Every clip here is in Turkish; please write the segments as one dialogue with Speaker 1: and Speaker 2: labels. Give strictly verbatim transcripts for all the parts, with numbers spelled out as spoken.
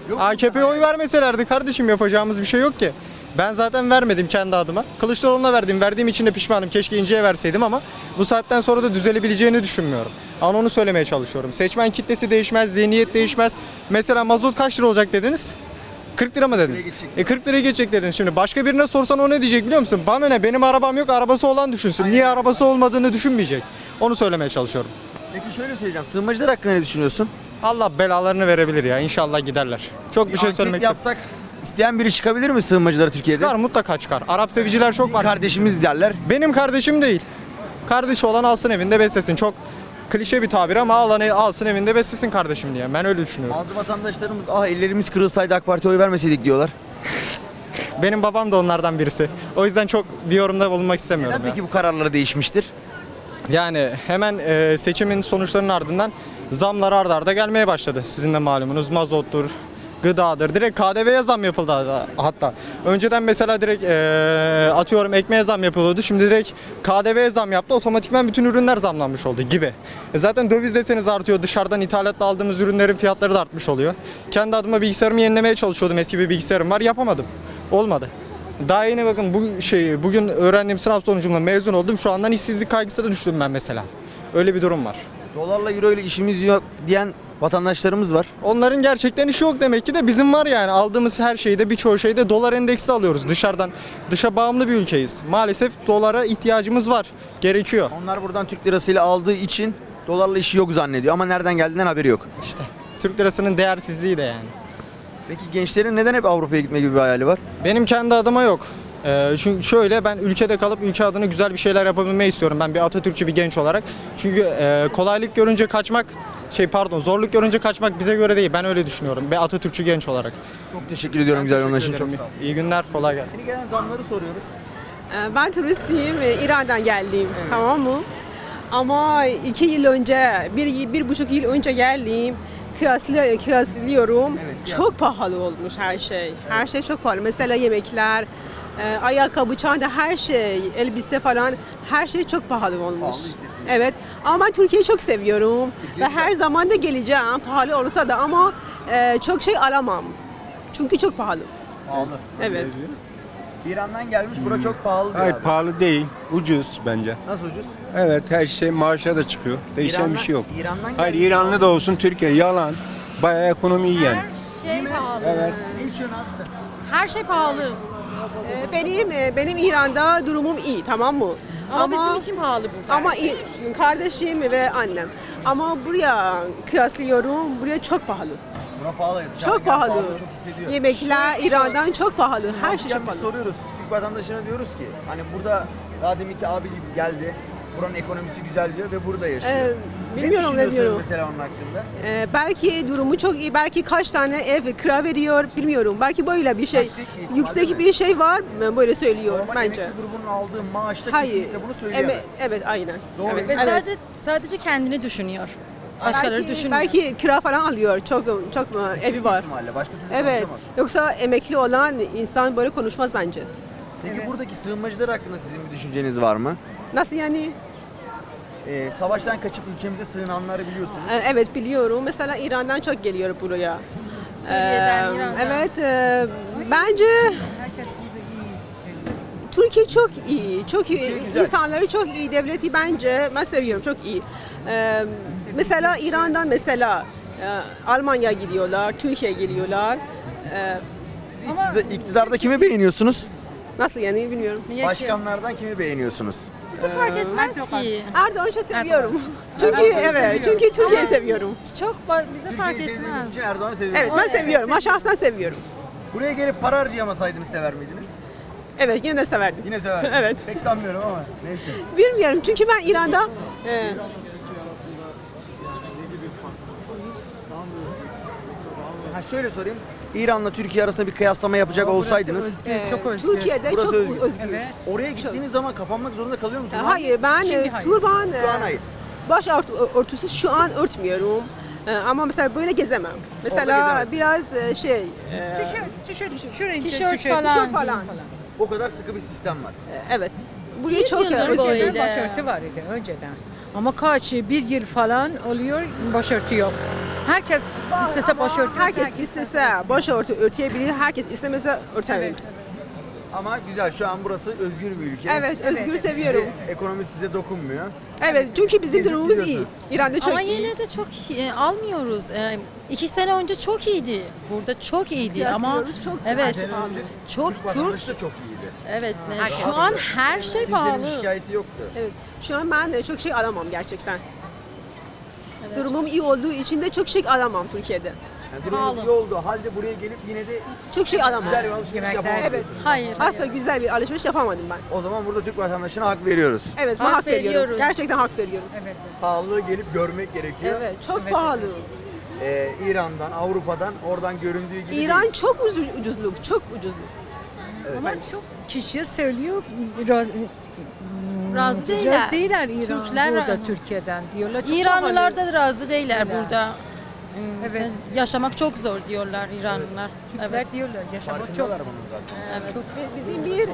Speaker 1: A K P'ye oy vermeselerdi kardeşim yapacağımız bir şey yok ki. Ben zaten vermedim kendi adıma. Kılıçdaroğlu'na verdim. Verdiğim için de pişmanım. Keşke İnce'ye verseydim ama bu saatten sonra da düzelebileceğini düşünmüyorum. Ama onu söylemeye çalışıyorum. Seçmen kitlesi değişmez, zihniyet değişmez. Mesela mazot kaç lira olacak dediniz? kırk lira mı dediniz? E kırk liraya geçecek dediniz. Şimdi başka birine sorsan o ne diyecek biliyor musun? Bana ne, benim arabam yok, arabası olan düşünsün. Niye arabası olmadığını düşünmeyecek. Onu söylemeye çalışıyorum.
Speaker 2: Peki şöyle söyleyeceğim. Sığınmacılar hakkında ne düşünüyorsun?
Speaker 1: Allah belalarını verebilir ya. İnşallah giderler. Çok bir şey
Speaker 2: Anket
Speaker 1: söylemek
Speaker 2: yapsak isteyen biri çıkabilir mi sığınmacılara Türkiye'de?
Speaker 1: Çıkar, mutlaka çıkar. Arap seviciler çok var.
Speaker 2: Kardeşimiz derler.
Speaker 1: Benim kardeşim değil. Kardeşi olan alsın evinde beslesin. Çok klişe bir tabir ama alan alsın evinde beslesin kardeşim diye. Ben öyle düşünüyorum.
Speaker 2: Bazı vatandaşlarımız ah ellerimiz kırılsaydı AK Parti'ye oy vermeseydik diyorlar.
Speaker 1: Benim babam da onlardan birisi. O yüzden çok bir yorumda bulunmak istemiyorum.
Speaker 2: Neden
Speaker 1: ya.
Speaker 2: peki bu kararları değişmiştir?
Speaker 1: Yani hemen e, seçimin sonuçlarının ardından zamlar arda arda gelmeye başladı. Sizin de malumunuz mazottur, gıdadır. Direkt K D V'ye zam yapıldı hatta. Önceden mesela direkt e, atıyorum ekmeğe zam yapılıyordu. Şimdi direkt K D V'ye zam yaptı. Otomatikman bütün ürünler zamlanmış oldu gibi. E zaten döviz deseniz artıyor. Dışarıdan ithalatla aldığımız ürünlerin fiyatları da artmış oluyor. Kendi adıma bilgisayarımı yenilemeye çalışıyordum. Eski bir bilgisayarım var. Yapamadım. Olmadı. Daha yeni bakın bu şeyi bugün öğrendiğim sınav sonucumla mezun oldum. Şu andan işsizlik kaygısına düştüm ben mesela. Öyle bir durum var.
Speaker 2: Dolarla euro ile işimiz yok diyen vatandaşlarımız var.
Speaker 1: Onların gerçekten işi yok demek ki de bizim var yani. Aldığımız her şeyde birçoğu şeyde dolar endeksli alıyoruz dışarıdan. Dışa bağımlı bir ülkeyiz. Maalesef dolara ihtiyacımız var. Gerekiyor.
Speaker 2: Onlar buradan Türk lirasıyla aldığı için dolarla işi yok zannediyor ama nereden geldiğinden haberi yok.
Speaker 1: İşte Türk lirasının değersizliği de yani.
Speaker 2: Peki gençlerin neden hep Avrupa'ya gitme gibi bir hayali var?
Speaker 1: Benim kendi adıma yok. Ee, çünkü şöyle ben ülkede kalıp ülke adına güzel bir şeyler yapabilmeyi istiyorum. Ben bir Atatürkçü bir genç olarak. Çünkü e, kolaylık görünce kaçmak, şey pardon zorluk görünce kaçmak bize göre değil. Ben öyle düşünüyorum. Bir Atatürkçü genç olarak.
Speaker 2: Çok teşekkür ediyorum güzel yorumlar için. Çok sağ ol.
Speaker 1: İyi günler, kolay gelsin.
Speaker 2: Yeni gelen zamları soruyoruz.
Speaker 3: Ee, Ben turistiyim, e, İran'dan geldim, tamam mı? Ama iki yıl önce, bir, bir buçuk yıl önce geldim, kıyaslı, kıyaslıyorum.
Speaker 2: Evet,
Speaker 3: Çok pahalı olmuş her şey. Her şey çok pahalı. Mesela yemekler, e, ayakkabı, çanta, her şey, elbise falan, her şey çok pahalı olmuş.
Speaker 2: Pahalı hissettiniz.
Speaker 3: Evet, ama ben Türkiye'yi çok seviyorum
Speaker 2: Türkiye
Speaker 3: ve her zaman da geleceğim, pahalı olsa da ama e, çok şey alamam. Çünkü çok pahalı.
Speaker 2: Pahalı.
Speaker 3: Evet.
Speaker 2: İran'dan gelmiş bura çok pahalı bir
Speaker 4: Hayır
Speaker 2: abi.
Speaker 4: pahalı değil, ucuz bence.
Speaker 2: Nasıl ucuz?
Speaker 4: Evet her şey maaşa da çıkıyor. Değişen
Speaker 2: İran'dan-
Speaker 4: bir şey yok.
Speaker 2: İran'dan
Speaker 4: Hayır
Speaker 2: gelmiş
Speaker 4: İranlı da olsun Türkiye yalan. Bayağı ekonomi iyi yani.
Speaker 5: Şey pahalı.
Speaker 4: Evet.
Speaker 2: Ne içiyorsun abi sen?
Speaker 5: Her şey pahalı.
Speaker 3: Ee, Benim e, benim İran'da durumum iyi, tamam mı?
Speaker 5: Ama, bizim için pahalı burada.
Speaker 3: ama i- kardeşim ve annem. Ama buraya kıyaslıyorum, buraya çok pahalı.
Speaker 2: Bura pahalı. Dışarıdan
Speaker 3: Çok
Speaker 2: gelen
Speaker 3: pahalı.
Speaker 2: Çok hissediyor.
Speaker 3: Yemekler İran'dan çok pahalı. Her şey
Speaker 2: Ya
Speaker 3: çok
Speaker 2: biz
Speaker 3: pahalı.
Speaker 2: soruyoruz. Türk vatandaşına diyoruz ki hani burada daha deminki abi geldi. Buranın ekonomisi güzel diyor ve burada yaşıyor.
Speaker 3: Ee, bilmiyorum,
Speaker 2: ne düşünüyorsunuz
Speaker 3: bilmiyorum.
Speaker 2: mesela onun hakkında?
Speaker 3: Ee, belki durumu çok iyi, belki kaç tane ev kira veriyor bilmiyorum. Belki böyle bir şey,
Speaker 2: Yüksek bir ihtimal,
Speaker 3: yüksek
Speaker 2: değil mi?
Speaker 3: bir şey var, böyle söylüyor
Speaker 2: Normal
Speaker 3: bence.
Speaker 2: emekli grubunun aldığı maaşta
Speaker 3: Hayır.
Speaker 2: kesinlikle bunu
Speaker 3: Eme-
Speaker 2: söyleyemez.
Speaker 3: evet, aynen.
Speaker 2: Doğru.
Speaker 3: Evet,
Speaker 5: Ve
Speaker 3: evet.
Speaker 5: sadece sadece kendini düşünüyor. Başkaları
Speaker 3: belki,
Speaker 5: düşünmüyor.
Speaker 3: belki kira falan alıyor, çok çok
Speaker 2: Yüksek
Speaker 3: evi var.
Speaker 2: ihtimalle. Başka türlü
Speaker 3: Evet.
Speaker 2: konuşamaz.
Speaker 3: Yoksa emekli olan insan böyle konuşmaz bence.
Speaker 2: Peki buradaki sığınmacılar hakkında sizin bir düşünceniz var mı?
Speaker 3: Nasıl yani?
Speaker 2: Ee, savaştan kaçıp ülkemize sığınanları biliyorsunuz.
Speaker 3: Ee, Evet biliyorum. Mesela İran'dan çok geliyor buraya.
Speaker 5: Suriye'den,
Speaker 3: Ee,
Speaker 5: İran'dan.
Speaker 3: Evet. e, bence Türkiye çok iyi. Çok iyi.
Speaker 2: Türkiye güzel.
Speaker 3: İnsanları çok iyi. Devleti bence ben seviyorum. Çok iyi. Ee, mesela İran'dan mesela e, Almanya gidiyorlar, Türkiye geliyorlar. Ee,
Speaker 2: Siz iktidar- iktidarda kimi beğeniyorsunuz?
Speaker 3: nasıl yani bilmiyorum.
Speaker 5: Yaşıyor.
Speaker 2: Başkanlardan kimi beğeniyorsunuz?
Speaker 5: Bizi fark etmez ki.
Speaker 3: Erdoğan'ı çok seviyorum. Çünkü
Speaker 2: Erdoğan'ı
Speaker 3: evet,
Speaker 2: seviyorum.
Speaker 3: çünkü Türkiye'yi seviyorum.
Speaker 5: Çok ba- bize fark
Speaker 2: Türkiye'yi sevdiğiniz
Speaker 5: etmez.
Speaker 2: için Erdoğan'ı seviyorsunuz.
Speaker 3: Evet, ben seviyorum. Ben şahsen seviyorum.
Speaker 2: Buraya gelip para harcayamasaydınız sever miydiniz?
Speaker 3: Evet, yine de severdim.
Speaker 2: Yine severdiniz.
Speaker 3: Evet.
Speaker 2: Pek sanmıyorum ama neyse.
Speaker 3: Bilmiyorum çünkü ben İran'da e,
Speaker 2: Ha şöyle sorayım. İran'la Türkiye arasında bir kıyaslama yapacak olsaydınız
Speaker 3: e, Türkiye'de
Speaker 2: Burası
Speaker 3: çok
Speaker 2: özgür.
Speaker 3: özgür.
Speaker 2: oraya gittiğiniz zaman kapanmak zorunda kalıyor
Speaker 3: E,
Speaker 2: musunuz?
Speaker 3: Hayır, ben e, turban,
Speaker 2: Şu an
Speaker 3: e,
Speaker 2: hayır.
Speaker 3: baş ört- örtüsü şu an örtmüyorum. E, ama mesela böyle gezemem. Mesela
Speaker 2: gezemezsin.
Speaker 3: biraz e, şey, e,
Speaker 5: Tişört
Speaker 3: tişört
Speaker 5: falan.
Speaker 3: falan.
Speaker 2: O kadar sıkı bir sistem var.
Speaker 3: E, evet. Buraya
Speaker 5: Bir
Speaker 3: çok e,
Speaker 5: yıldır
Speaker 3: özgür.
Speaker 5: böyle.
Speaker 6: Başörtü var idi önceden. Ama kaç bir yıl falan oluyor başörtü yok. Herkes istese başörtü.
Speaker 3: Herkes istese başörtü örteyebilir, herkes istemese örtemez.
Speaker 2: Ama güzel, şu an burası özgür bir ülke.
Speaker 3: Evet, özgür seviyorum.
Speaker 2: Size, ekonomi size dokunmuyor.
Speaker 3: Evet, çünkü bizim
Speaker 2: Gezip
Speaker 3: durumumuz iyi.
Speaker 2: gidiyorsunuz.
Speaker 3: İran'da çok
Speaker 5: Ama
Speaker 3: iyi.
Speaker 5: yine de çok e, almıyoruz. E, iki sene önce çok iyiydi. Burada çok iyiydi ama
Speaker 3: Kıyaslıyoruz, çok
Speaker 5: evet
Speaker 2: Sene önce
Speaker 5: çok
Speaker 2: Türk
Speaker 5: Türk.
Speaker 2: vatandaşı da çok iyiydi.
Speaker 5: Evet. e, şu an her şey
Speaker 2: Kimsenin
Speaker 5: pahalı.
Speaker 2: şikayeti yoktu.
Speaker 3: Evet, şu an ben de çok şey alamam gerçekten. Durumum iyi olduğu için de çok şey alamam Türkiye'de.
Speaker 2: Yani durumunuz
Speaker 5: Pahalı.
Speaker 2: iyi oldu halde buraya gelip yine de
Speaker 3: Çok şey alamam.
Speaker 2: güzel bir alışveriş
Speaker 6: Yemekler-
Speaker 2: yapamadınız.
Speaker 3: Evet.
Speaker 5: Hayır.
Speaker 3: Asla güzel bir alışveriş yapamadım ben.
Speaker 2: O zaman burada Türk vatandaşına hak veriyoruz.
Speaker 3: Evet, ben
Speaker 5: Hak
Speaker 3: hak veriyorum.
Speaker 5: veriyoruz.
Speaker 3: Gerçekten hak veriyorum.
Speaker 2: Pahalılığı gelip görmek gerekiyor.
Speaker 3: Evet, çok pahalı.
Speaker 2: Ee, İran'dan, Avrupa'dan oradan göründüğü gibi
Speaker 3: İran
Speaker 2: değil.
Speaker 3: çok ucu- ucuzluk, çok ucuzluk.
Speaker 6: Ama çok kişiye söylüyor. Biraz,
Speaker 5: Razı değiller.
Speaker 6: Razı değiller İran
Speaker 5: Türkler-
Speaker 6: burada Türkiye'den diyorlar. Çok
Speaker 5: İranlılar
Speaker 6: pahalı.
Speaker 5: da razı değiller
Speaker 6: Öyle.
Speaker 5: burada.
Speaker 6: Evet.
Speaker 5: Sen- Yaşamak çok zor diyorlar İranlılar.
Speaker 6: Türkler
Speaker 5: Evet.
Speaker 6: diyorlar yaşamak çok.
Speaker 2: Farkındalar bunun zaten.
Speaker 5: Evet.
Speaker 3: Bizim bir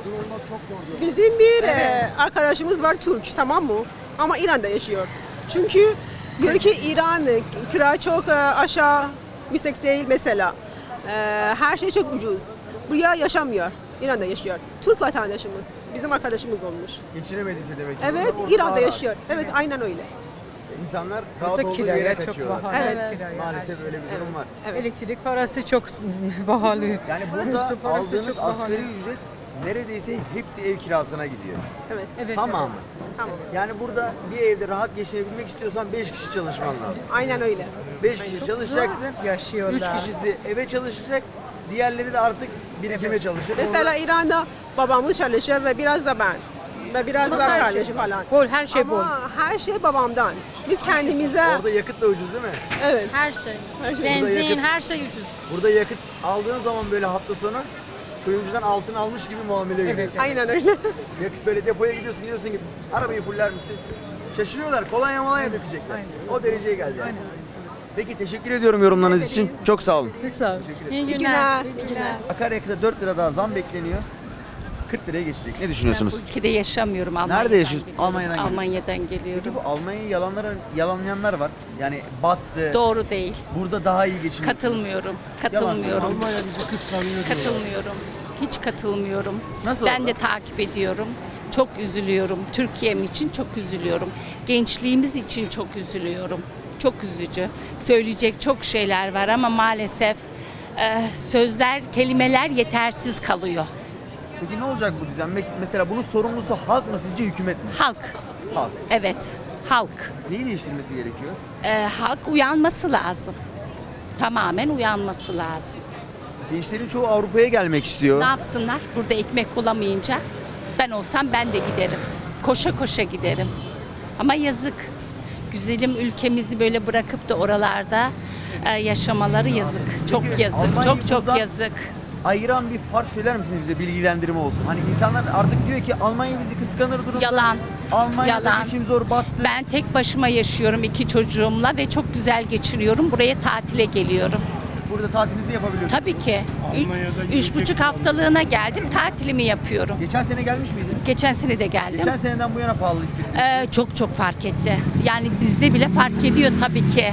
Speaker 3: bizim bir e, arkadaşımız var Türk, tamam mı? Ama İran'da yaşıyor. Çünkü diyor ki İran e, kira çok e, aşağı, yüksek değil mesela. E, her şey çok ucuz. Buraya yaşamıyor. İran'da yaşıyor. Türk vatandaşımız. Bizim arkadaşımız olmuş.
Speaker 2: Geçinemediyse demek ki.
Speaker 3: Evet,
Speaker 2: burada
Speaker 3: İran'da
Speaker 2: daha rahat.
Speaker 3: yaşıyor. Evet, aynen öyle.
Speaker 2: İnsanlar rahat
Speaker 6: Burada
Speaker 2: olduğu yere
Speaker 6: kiraya çok
Speaker 2: kaçıyorlar.
Speaker 6: pahalı.
Speaker 3: Evet.
Speaker 6: kiraya.
Speaker 2: Maalesef öyle bir durum var.
Speaker 3: Evet.
Speaker 6: Elektrik parası çok pahalı.
Speaker 2: Yani burada
Speaker 6: Su parası
Speaker 2: aldığınız
Speaker 6: çok pahalı.
Speaker 2: asgari ücret neredeyse hepsi ev kirasına gidiyor.
Speaker 3: Evet.
Speaker 6: Evet,
Speaker 2: Tamamı.
Speaker 3: Tamam.
Speaker 2: Yani burada bir evde rahat geçinebilmek istiyorsan beş kişi çalışman lazım.
Speaker 3: Aynen öyle.
Speaker 2: beş kişi çalışacaksın.
Speaker 6: yaşıyorlar.
Speaker 2: üç kişisi eve çalışacak. Diğerleri de artık birikime çalışır.
Speaker 3: Mesela İran'da babamız çalışıyor ve biraz da ben. Ve biraz da kardeşim falan.
Speaker 6: Bol, her şey bol.
Speaker 3: Ama her şey babamdan. Biz kendimize...
Speaker 2: Orada, orada yakıt da ucuz değil mi?
Speaker 3: Evet.
Speaker 5: Her şey.
Speaker 3: Her şey.
Speaker 5: Benzin,
Speaker 2: Burada yakıt-
Speaker 5: her şey ucuz.
Speaker 2: Burada yakıt aldığın zaman böyle hafta sonu kuyumcudan altın almış gibi muamele görüyorsun.
Speaker 3: Aynen öyle.
Speaker 2: Yakıt böyle depoya gidiyorsun, diyorsun ki arabayı fuller misin? Şaşırıyorlar. Kolonya molanya dökecekler. O dereceye geldi yani. Peki teşekkür ediyorum yorumlarınız için. Çok sağ olun.
Speaker 6: Çok sağ ol.
Speaker 5: İyi
Speaker 3: İyi
Speaker 5: günler.
Speaker 3: günler.
Speaker 2: Akaryakıta dört lira daha zam bekleniyor. kırk liraya geçecek. Ne düşünüyorsunuz?
Speaker 7: Ülkede yaşamıyorum. Almanya'dan
Speaker 2: Nerede yaşıyorsun?
Speaker 7: geliyorum.
Speaker 2: Almanya'dan geliyorsun.
Speaker 7: Almanya'dan geliyorum.
Speaker 2: Peki bu Almanya'yı yalanlara, yalanlayanlar var. Yani battı.
Speaker 7: Doğru değil.
Speaker 2: Burada daha iyi geçiniyor.
Speaker 7: Katılmıyorum. Katılmıyorum.
Speaker 2: Almanya bizi kıskanıyor.
Speaker 7: Katılmıyorum. Hiç katılmıyorum.
Speaker 2: Nasıl
Speaker 7: ben
Speaker 2: oldu?
Speaker 7: de takip ediyorum. Çok üzülüyorum. Türkiye'm için çok üzülüyorum. Gençliğimiz için çok üzülüyorum. Çok üzücü. Söyleyecek çok şeyler var ama maalesef e, sözler, kelimeler yetersiz kalıyor.
Speaker 2: Peki ne olacak bu düzen? Mesela bunun sorumlusu halk mı sizce, hükümet mi?
Speaker 7: Halk.
Speaker 2: Halk.
Speaker 7: Evet. Halk.
Speaker 2: Neyi değiştirmesi gerekiyor?
Speaker 7: E, halk uyanması lazım. Tamamen uyanması lazım.
Speaker 2: Gençlerin çoğu Avrupa'ya gelmek istiyor.
Speaker 7: Ne yapsınlar? Burada ekmek bulamayınca ben olsam ben de giderim. Koşa koşa giderim. Ama yazık. Güzelim ülkemizi böyle bırakıp da oralarda e, yaşamaları yazık. Çok
Speaker 2: Peki,
Speaker 7: yazık.
Speaker 2: Almanya'yı
Speaker 7: Çok çok
Speaker 2: buradan-
Speaker 7: yazık.
Speaker 2: Ayıran bir fark söyler misiniz bize, bilgilendirme olsun? Hani insanlar artık diyor ki Almanya bizi kıskanır durumda.
Speaker 7: Yalan.
Speaker 2: Almanya'da
Speaker 7: Yalan.
Speaker 2: geçim zor, battı.
Speaker 7: Ben tek başıma yaşıyorum iki çocuğumla ve çok güzel geçiriyorum. Buraya tatile geliyorum.
Speaker 2: Burada tatilinizi yapabiliyorsunuz.
Speaker 7: Tabii ki. Ü- Üç buçuk haftalığına geldim. Tatilimi yapıyorum.
Speaker 2: Geçen sene gelmiş miydiniz?
Speaker 7: Geçen sene de geldim.
Speaker 2: Geçen seneden bu yana pahalı hissettiniz.
Speaker 7: Ee, çok çok fark etti. Yani bizde bile fark ediyor tabii ki.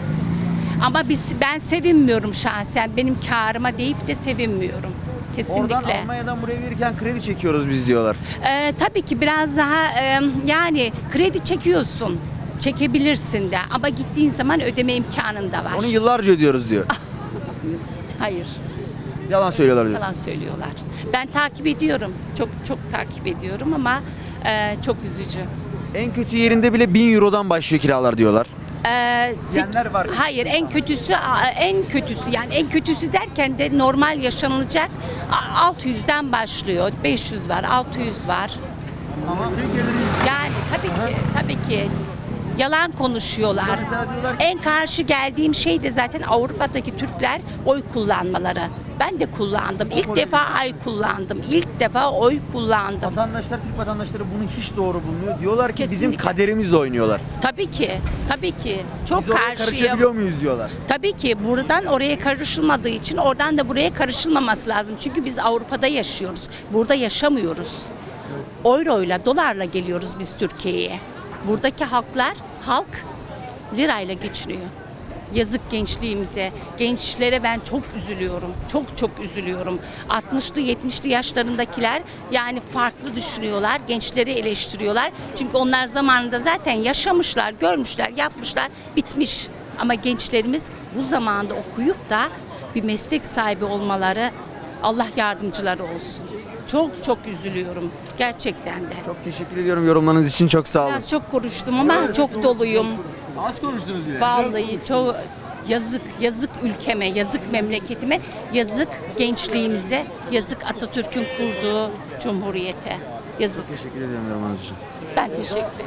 Speaker 7: Ama biz ben sevinmiyorum şahsen. Benim kârıma deyip de sevinmiyorum. Kesinlikle.
Speaker 2: Oradan Almanya'dan buraya gelirken kredi çekiyoruz biz diyorlar.
Speaker 7: Ee, tabii ki biraz daha e, yani kredi çekiyorsun. Çekebilirsin de ama gittiğin zaman ödeme imkanın da var.
Speaker 2: Onu yıllarca ödüyoruz diyor.
Speaker 7: Hayır.
Speaker 2: Yalan söylüyorlar diyor.
Speaker 7: Yalan söylüyorlar. Ben takip ediyorum. Çok çok takip ediyorum ama e, çok üzücü.
Speaker 2: En kötü yerinde bile bin eurodan başlıyor kiralar diyorlar.
Speaker 7: Ee, sek-
Speaker 2: Diyenler var.
Speaker 7: Hayır, en kötüsü en kötüsü yani en kötüsü derken de normal yaşanılacak a- altı yüzden başlıyor. beş yüz var, altı yüz var.
Speaker 2: Ama
Speaker 7: Yani tabii ki tabii ki yalan konuşuyorlar.
Speaker 2: Mesela diyorlar ki-
Speaker 7: En karşı geldiğim şey de zaten Avrupa'daki Türkler oy kullanmaları. Ben de kullandım. İlk defa oy kullandım. İlk defa oy kullandım.
Speaker 2: vatandaşlar, Türk vatandaşları bunu hiç doğru bulmuyor. Diyorlar ki bizim
Speaker 7: Kesinlikle.
Speaker 2: kaderimizle oynuyorlar.
Speaker 7: Tabii ki, tabii ki. Çok
Speaker 2: Biz oraya
Speaker 7: karşıyım.
Speaker 2: karışabiliyor muyuz diyorlar.
Speaker 7: Tabii ki buradan oraya karışılmadığı için oradan da buraya karışılmaması lazım. Çünkü biz Avrupa'da yaşıyoruz. Burada yaşamıyoruz. Euroyla, dolarla geliyoruz biz Türkiye'ye. Buradaki halklar, halk lirayla geçiniyor. Yazık gençliğimize. Gençlere ben çok üzülüyorum. Çok çok üzülüyorum. altmışlı yetmişli yaşlarındakiler yani farklı düşünüyorlar. Gençleri eleştiriyorlar. Çünkü onlar zamanında zaten yaşamışlar, görmüşler, yapmışlar, bitmiş. Ama gençlerimiz bu zamanda okuyup da bir meslek sahibi olmaları, Allah yardımcıları olsun. Çok çok üzülüyorum gerçekten de.
Speaker 2: Çok teşekkür ediyorum yorumlarınız için. Çok sağ olun.
Speaker 7: Biraz çok konuştum ama çok doluyum.
Speaker 2: Az konuştunuz bile.
Speaker 7: Vallahi çok yazık, yazık ülkeme, yazık memleketime, yazık gençliğimize, yazık Atatürk'ün kurduğu cumhuriyete. Yazık.
Speaker 2: Teşekkür ediyorum yorumlarınız için.
Speaker 7: Ben teşekkür ederim.